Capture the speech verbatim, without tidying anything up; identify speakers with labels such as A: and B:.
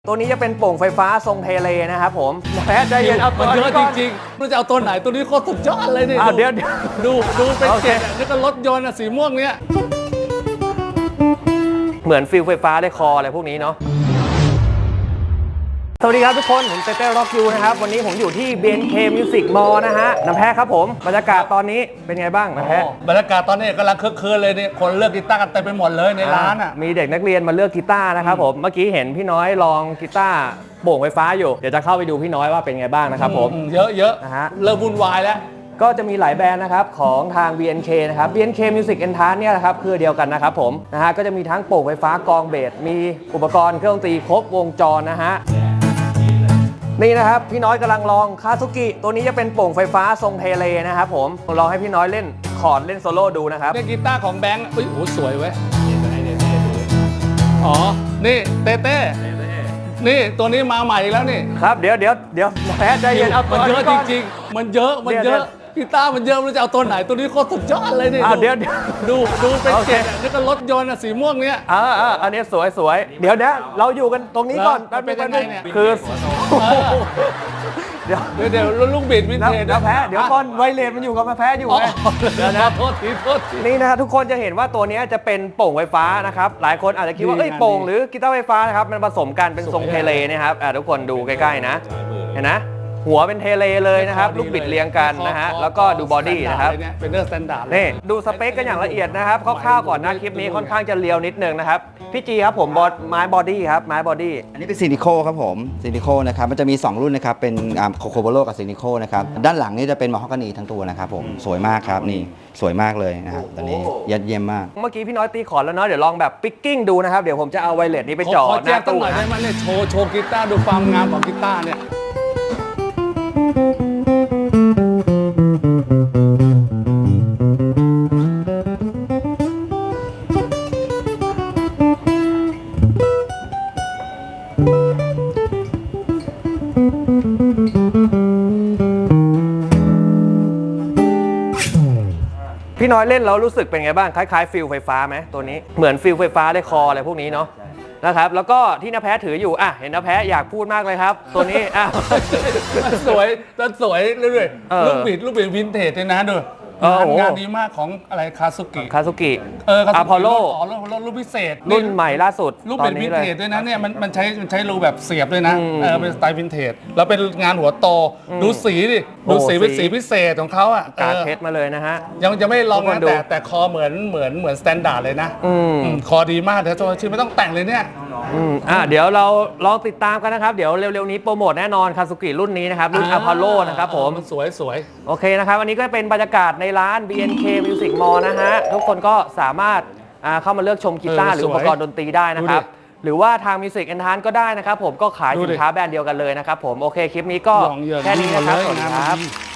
A: ตัวนี้จะเป็นโป่งไฟฟ้าทรงเทเลนะครับผมแพ้ใจเย็นเอาตัว
B: มันเย
A: นี้
B: อะ
A: ก่
B: จ
A: อน
B: ริงๆมันจะเอาตัวไหนตัวนี้โคตรสุดยอดเลยนี่
A: อ่ะเดี๋ยวเดี๋ยว
B: ดูดูเป็น
A: โอเค
B: เจ็ดนี่ก็รถยนต์อะสีม่วงเนี้ย
A: เหมือนฟิลไฟฟ้าได้คออะไรพวกนี้เนาะสวัสดีครับทุกคนผมเต้เต้ร็อกยูนะครับวันนี้ผมอยู่ที่ บี เอ็น เค Music Mall นะฮะน้ำแพ้ครับผมบรรยากาศตอนนี้เป็นไงบ้างน้ำแพ้
B: บรรยากาศตอนนี้กำลังคึกคืนเลยนี่คนเลือกกีตาร์กันเต็มไปหมดเลยในร้านอ่ะ
A: มีเด็กนักเรียนมาเลือกกีตาร์นะครับผมเมื่อกี้เห็นพี่น้อยลองกีตาร์โป่งไฟฟ้าอยู่เดี๋ยวจะเข้าไปดูพี่น้อยว่าเป็นไงบ้างนะครับผม
B: อืเยอะเยอะ
A: นะฮะ
B: เริ่มวุ่นวายแล้ว
A: ก็จะมีหลายแบรนด์นะครับของทาง บี เอ็น เค นะครับ บี เอ็น เค Music Entrance เนี่ยนะครับคือเดียวกันนะครับผมนะฮะก็จะมีทั้งโป่งไฟฟ้ากองเบสมีอุปกรณ์เครื่องดนตรีครบวงจรนะฮะนี่นะครับพี่น้อยกำลังลองคาซุกิตัวนี้จะเป็นโป่งไฟฟ้าทรงเทเลนะครับผมลองให้พี่น้อยเล่นคอร์ดเล่นโซโล่ดูนะครับ
B: เนี่ยกีตาร์ของแบงค์อุ้ยโอ้สวยเว้ยอ๋อนี่เต้เต้นี่ตัวนี้มาใหม่อีกแล้วนี่
A: ครับเดี๋ยวเดี๋ยวเดี๋ยวแพ้ใจเย็นเอาตัว
B: มันเยอะ
A: นี้
B: จ
A: ก่อน
B: ริงๆมันเยอะมันเยอะกีตาร์มันเยอะมันจะเอาตัวไหนตัวนี้โคตรสุดยอดเลยนี่
A: อ่ะเดี๋ยวเดี๋ยว
B: ดูดูเป็น
A: โอเค
B: เจ็ดนี่ก็รถยนต์อะสีม่วงเนี้ย
A: อ่าอ่าอันนี้สวยสวยเดี๋ยวนะเราอยู่กันตรงนี้ก่อน
B: แล้วเป็นยังไงเนี่ย
A: คือ
B: เออ
A: เดี๋ยว
B: เดี๋ยวเดี๋ยวลูกบิดวิน
A: แล้ว
B: เทจ
A: เดี๋ยวแพ้เดี๋ยวก่อนไวเลสมันอยู่กับมาแพ้อยู่
B: อ๋อ
A: ไงเดี๋ยวนะ
B: โทษทีโทษที
A: นี่นะครับทุกคนจะเห็นว่าตัวนี้จะเป็นโป่งไฟฟ้านะครับหลายคนอาจจะคิดว่า
B: ดี
A: เอ้ย
B: งาน
A: โป่ง
B: ดี
A: หรือกีตาร์ไฟฟ้านะครับมันผสมกันเป็นทรง
B: สวย
A: เท
B: อะ
A: เลนะครับอ่ะทุกคนดูใกล้ๆนะเห็นนะหัวเป็นเทเลเลยนะครับลูกบิดเรียงกันนะฮะแล้วก็ดูบอดี้นะครับ
B: เป็นเรื่องสแตนดาร์ดเลย
A: นี่ดูสเปคกันอย่างละเอียดนะครับคร่าวๆก่อนนะคลิปนี้ค่อนข้างจะเรียวนิดนึงนะครับพี่จีครับผมบอดไม้บอดี้ครับไม้บอดี้
C: อันนี้เป็นซินิโคครับผมซินิโคนะครับมันจะมี สอง รุ่นนะครับเป็นโคโคโบโลกับซินิโคนะครับด้านหลังนี่จะเป็นมอฮอกานีทั้งตัวนะครับผมสวยมากครับนี่สวยมากเลยนะครับตอนนี้ยอดเยี่ยมมาก
A: เมื่อกี้พี่น้อยตีขอร์ดแล้วเนาะเดี๋ยวลองแบบปิกกิ้งดูนะครับเดี๋ยวผมจะเอาไวเลสนี้ไป
B: ขอ
A: จ่อ
B: ขอ
A: ห
B: แจ้
A: น้าง
B: ตั้ง
A: ตู้
B: หน่อยได้
A: นะ
B: ไหมเนี่ยโชว์โชว์กีตาร์ดูความงามของกีตาร์เนี่ย
A: พี่น้อยเล่นแล้วรู้สึกเป็นไงบ้างคล้ายๆฟิลไฟฟ้าไหมตัวนี้เหมือนฟิลไฟฟ้าได้คออะไรพวกนี้เนาะนะครับแล้วก็ที่น้าแพ้ถืออยู่อ่ะเห็นน้าแพ้อยากพูดมากเลยครับ ตัวนี้อ่ะ
B: มันสวยมันสวยเรื่อย
A: เออ
B: ๆลูกบิดลูกบิดวินเทจเลยนะดู
A: เออโอ้โห
B: งานดีมากของอะไรคาซุกิ
A: คาซุกิ
B: เออ
A: อะพอลโล
B: อ๋อรุ่นรุ่นพิเศษ
A: รุ่นใหม่ล่าสุด
B: ลูก
A: ตอ
B: บิ
A: น
B: ดวิ
A: นี้
B: น
A: เล
B: เท
A: ย
B: จด้วยนะเนี่ยมันมันใช้มันใช้รูแบบเสียบด้วยนะ
A: อืม
B: เออเป็นสไตล์วินเทจแล้วเป็นงานหัวโตดูสีดิ
A: โอ้
B: ดูสีเป็น
A: สี
B: สีพิเศษของเขาอ่ะ
A: กา
B: เออ
A: เพชรมาเลยนะฮะ
B: ยังจะไม่ลอง
A: ทุกค
B: นะ
A: นดู
B: แต่แต่คอเหมือนเหมือนเหมือนสแตนดาร์ดเลยนะ
A: อืม
B: อืมคอดีมากแต่ตัวชื่อไม่ต้องแต่งเลยเนี่ย
A: อืมอ่ะเดี๋ยวเราลองติดตามกันนะครับเดี๋ยวเร็วๆนี้โปรโมทแน่นอนคาซุกิรุ่นนี้นะครับรุ่นอะพอลโลนะครับผม
B: มันสวยสวย
A: โอเคนะครับวันนี้ก็เป็นบรรยากาศในร้าน บี เอ็น เค Music Mall นะฮะทุกคนก็สามารถอ่าเข้ามาเลือกชมกีตาร์หรืออุปกรณ์ดนตรีได้นะครับ หรือว่าทาง Music Entrance ก็ได้นะครับผมก็ขายสินค้าแบรนด์เดียวกันเลยนะครับผมโอเคคลิปนี้ก็
B: ลองเยิน
A: แค่นี้นะครับ
B: เลย
A: สวัสดี
B: งาน
A: ค
B: มัน
A: รับ
B: ดี